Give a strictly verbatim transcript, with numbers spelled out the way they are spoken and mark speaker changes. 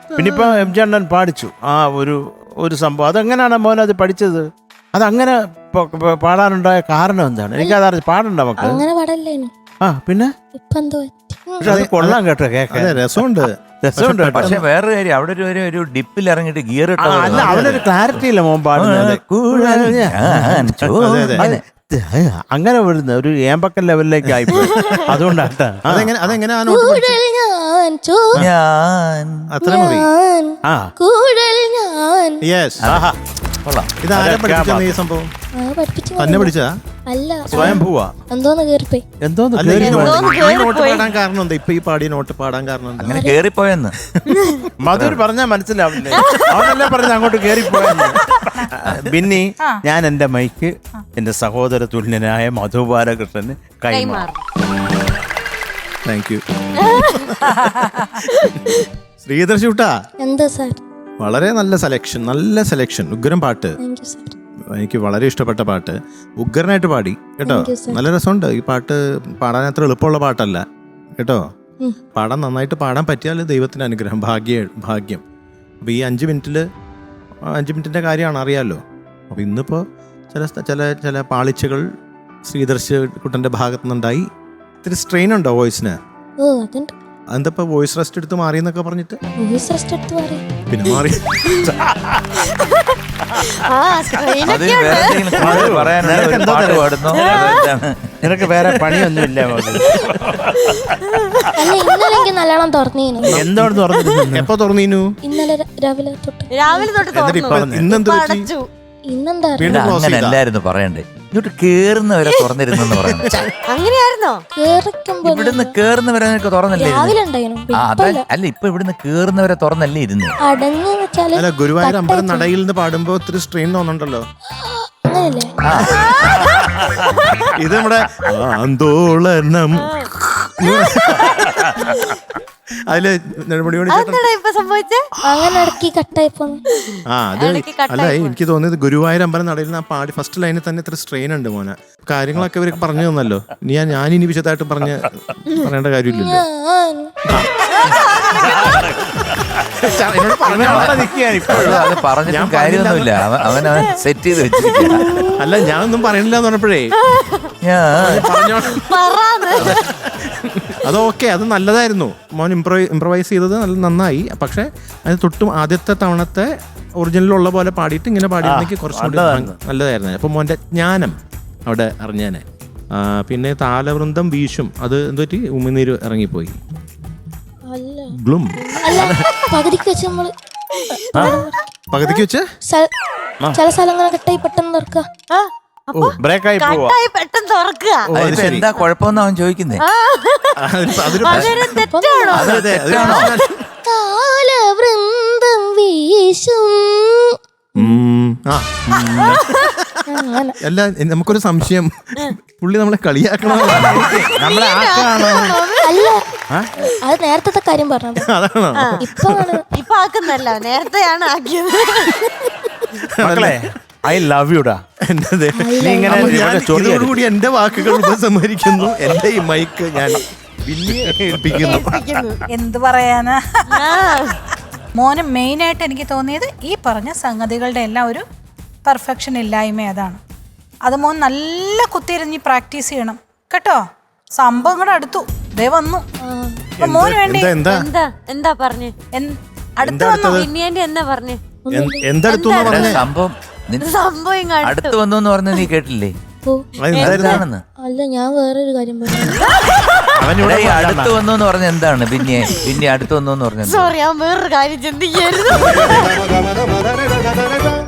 Speaker 1: പിന്നെ ഇപ്പൊ M G അണ്ണൻ പാടിച്ചു ആ ഒരു ഒരു സംഭവം. അതെങ്ങനെയാണ് മോൻ അത് പഠിച്ചത്? അതങ്ങനെ പാടാനുണ്ടായ കാരണം എന്താണ്? എനിക്കത് പാടണ്ട മക്കൾ.
Speaker 2: അങ്ങനെ പാടല്ലേനു.
Speaker 1: ആ പിന്നെ പക്ഷെ അത് കൊള്ളാം കേട്ടോ, കേൾക്കാൻ രസമുണ്ട് രസമുണ്ട്.
Speaker 3: പക്ഷെ വേറൊരു കാര്യം, അവിടെ ഒരു ഒരു ഡിപ്പിൽ ഇറങ്ങിയിട്ട് ഗിയർ ഇട്ട
Speaker 1: അല്ല, അവനൊരു ക്ലാരിറ്റി ഇല്ല മോൻ പാടുന്നത്. അങ്ങനെ വരുന്ന ഒരു ഏമ്പക്കൻ ലെവലിലേക്ക് ആയിപ്പോയി. അതുകൊണ്ടാട്ടാ.
Speaker 4: അതെങ്ങനെ അതെങ്ങനെ അത്ര മതി.
Speaker 1: ആ
Speaker 4: യെസ്. ഇതാരാ പഠിപ്പിച്ചത് ഈ സംഭവം? തന്നെ പഠിച്ചതാ?
Speaker 2: അല്ല,
Speaker 1: സ്വയം പോവാ.
Speaker 2: എന്തോന്ന് കേറിപ്പോയി.
Speaker 1: എന്തോന്ന്
Speaker 4: നോട്ട് പാടാൻ കാരണം എന്താ? ഇപ്പൊ ഈ പാടിയ നോട്ട് പാടാൻ കാരണം എന്താ?
Speaker 3: അങ്ങനെ കേറിപ്പോയെന്ന്
Speaker 1: മധുർ പറഞ്ഞാ മനസ്സിലാവില്ലേ? അവനല്ലേ പറഞ്ഞ അങ്ങോട്ട് കേറിപ്പോയെന്ന്. ബിന്നി, ഞാൻ എന്റെ മൈക്ക് എന്റെ സഹോദര തുല്യനായ മധു ബാലകൃഷ്ണന് കൈമാറും.
Speaker 4: Thank you. ശ്രീധർ ഷൂട്ടാ,
Speaker 2: എന്താ സാർ?
Speaker 4: വളരെ നല്ല സെലക്ഷൻ, നല്ല സെലക്ഷൻ. ഉഗ്രം പാട്ട്,
Speaker 2: താങ്ക് യു സാർ.
Speaker 4: എനിക്ക് വളരെ ഇഷ്ടപ്പെട്ട പാട്ട്. ഉഗ്രനായിട്ട് പാടി കേട്ടോ. നല്ല രസമുണ്ട് ഈ പാട്ട്. പാടാൻ അത്ര എളുപ്പമുള്ള പാട്ടല്ല കേട്ടോ. പാടാൻ നന്നായിട്ട് പാടാൻ പറ്റിയാൽ ദൈവത്തിന്റെ അനുഗ്രഹം, ഭാഗ്യ ഭാഗ്യം. അപ്പോൾ ഈ അഞ്ച് മിനിറ്റിൽ അഞ്ച് മിനിറ്റിൻ്റെ കാര്യമാണ്, അറിയാമല്ലോ. അപ്പോൾ ഇന്നിപ്പോൾ ചില ചില ചില പാളിച്ചകൾ ശ്രീധർശ് കുട്ടൻ്റെ ഭാഗത്തു നിന്നുണ്ടായി. ഇത്തിരി സ്ട്രെയിൻ ഉണ്ടോ വോയിസിന്?
Speaker 2: ഓ, അതുണ്ട്.
Speaker 4: എന്താ ഇപ്പൊ വോയിസ് റെസ്റ്റ് എടുത്ത് മാറി എന്നൊക്കെ പറഞ്ഞിട്ട്?
Speaker 2: വോയിസ് റെസ്റ്റ് എടുത്ത് മാറി
Speaker 4: പിന്നെ മാറി.
Speaker 1: നിനക്ക് വേറെ പണിയൊന്നുമില്ല.
Speaker 2: അല്ല, ഇന്നലെ എനിക്ക് നല്ലോണം തുറന്നീനു.
Speaker 1: എന്താണ് തുറന്നിരുന്നു?
Speaker 4: എപ്പോ തുറന്നീനു?
Speaker 2: ഇന്നലെ രാവിലെ തൊട്ട്.
Speaker 5: രാവിലെ തൊട്ട്
Speaker 4: ഇന്നെന്താ
Speaker 2: ഇന്നെന്താ
Speaker 3: അങ്ങനെയല്ലായിരുന്നു പറയണ്ടേ, ഇങ്ങോട്ട് കേറുന്നവരെ തുറന്നിരുന്നെന്ന് പറയുന്നത്.
Speaker 5: അങ്ങനെയായിരുന്നോ?
Speaker 3: ഇവിടുന്ന് കേറുന്നവരെ തുറന്നല്ലേ?
Speaker 2: രാവിലെ ഉണ്ടായിരുന്നു.
Speaker 3: അല്ല, ഇപ്പൊ ഇവിടുന്ന് കേറുന്നവരെ തുറന്നല്ലേ ഇരുന്ന്?
Speaker 2: അടങ്ങ് വെച്ചാല്
Speaker 4: അല്ല, ഗുരുവായൂർ അമ്പലം നടയിൽ നിന്ന് പാടുമ്പോ ഒത്തിരി സ്ട്രെയിൻ തോന്നുന്നുണ്ടല്ലോ.
Speaker 2: അങ്ങനെയല്ലേ?
Speaker 4: ഇത് നമ്മുടെ ആന്തോളനം അതില് നെടുമുടി മണി
Speaker 2: അങ്ങനെ ഇടയ്ക്ക് കട്ടായിപ്പോ.
Speaker 4: ആ അത് അല്ല, എനിക്ക് തോന്നിയത് ഗുരുവായൂർ അമ്പലം നടയിൽ നിന്ന് ആ പാടി ഫസ്റ്റ് ലൈനിൽ തന്നെ ഇത്ര സ്ട്രെയിൻ ഉണ്ട് മോനെ. കാര്യങ്ങളൊക്കെ ഇവർക്ക് പറഞ്ഞു തന്നല്ലോ. ഇനി ഞാൻ ഞാനിനി വിശദമായിട്ട് പറഞ്ഞ് പറയേണ്ട കാര്യമില്ലല്ലോ.
Speaker 3: പറഞ്ഞിട്ടും കാര്യമൊന്നുമില്ല, അവൻ അവൻ സെറ്റ് ചെയ്ത് വെച്ചിരിക്കുക.
Speaker 4: അല്ല, ഞാനൊന്നും പറയണില്ല എന്ന് പറഞ്ഞപ്പോഴേ അത് ഓക്കെ, അത് നല്ലതായിരുന്നു മോൻ. ഇംപ്രോ ഇംപ്രവൈസ് ചെയ്തത് നല്ല നന്നായി. പക്ഷെ അതിന് തൊട്ടും ആദ്യത്തെ തവണത്തെ ഒറിജിനലുള്ള പോലെ പാടിയിട്ട് ഇങ്ങനെ പാടിയിരുന്നെങ്കിൽ കുറച്ചുകൂടി നല്ലതായിരുന്നു. അപ്പൊ മോന്റെ ജ്ഞാനം അവിടെ അറിഞ്ഞാനെ. പിന്നെ താലവൃന്ദം വീശും, അത് എന്തുപറ്റി? ഉമിനീര് ഇറങ്ങിപ്പോയി. ഗ്ലും
Speaker 2: പകുതിക്ക് വെച്ച് നമ്മള്
Speaker 4: പകുതിക്ക് വെച്ച്
Speaker 2: ചില സ്ഥലങ്ങൾ കട്ടായി പെട്ടെന്ന് തുറക്കുക.
Speaker 1: ബ്രേക്കായി പോവാ,
Speaker 5: പെട്ടെന്ന് തുറക്കുക.
Speaker 3: എന്താ കുഴപ്പമെന്ന് അവൻ ചോദിക്കുന്നേ.
Speaker 2: താലവൃന്ദം വീശും.
Speaker 4: അല്ല, നമുക്കൊരു സംശയം, പുള്ളി നമ്മളെ കളിയാക്കണോ
Speaker 1: നമ്മളെ ആക്കാണോ?
Speaker 2: അല്ല, അത് നേരത്തെ കാര്യം പറഞ്ഞത്.
Speaker 4: അതാണോ?
Speaker 2: ഇപ്പൊ
Speaker 5: ഇപ്പൊ ആക്കുന്നല്ല, നേരത്തെയാണ് ആക്കിയത്.
Speaker 1: മക്കളെ, ഐ ലവ് യുടാ.
Speaker 4: ഇതോടുകൂടി എന്റെ വാക്കുകൾ ഉപസംഹരിക്കുന്നു. എന്റെ ഈ മൈക്ക് ഞാൻ ഏൽപ്പിക്കുന്നു.
Speaker 6: എന്ത് പറയാനാ മോന്. മെയിനായിട്ട് എനിക്ക് തോന്നിയത് ഈ പറഞ്ഞ സംഗതികളുടെ എല്ലാം ഒരു പെർഫെക്ഷൻ ഇല്ലായ്മ. അതാണ് അത്. മോൻ നല്ല കുത്തിയിരുന്ന് പ്രാക്ടീസ് ചെയ്യണം കേട്ടോ. സംഭവം കൂടെ അടുത്തു ദേ വന്നു. മോന് വേണ്ടി
Speaker 5: എന്താ എന്താ പറഞ്ഞേ?
Speaker 6: അടുത്ത് വന്നു.
Speaker 5: പിന്നീന്റെ എന്നാ പറഞ്ഞേ?
Speaker 4: എന്തെടുത്തു
Speaker 3: സംഭവം
Speaker 5: സംഭവം
Speaker 3: അടുത്ത് വന്നു എന്ന് പറഞ്ഞ നീ കേട്ടില്ലേ?
Speaker 2: അല്ല, ഞാൻ വേറൊരു കാര്യം പറഞ്ഞു.
Speaker 3: അടുത്ത് വന്നു എന്ന് പറഞ്ഞ എന്താണ്? പിന്നെ പിന്നെ അടുത്ത് വന്നു എന്ന് പറഞ്ഞ
Speaker 5: സോറി, ഞാൻ വേറൊരു കാര്യം ചിന്തിക്കായിരുന്നു.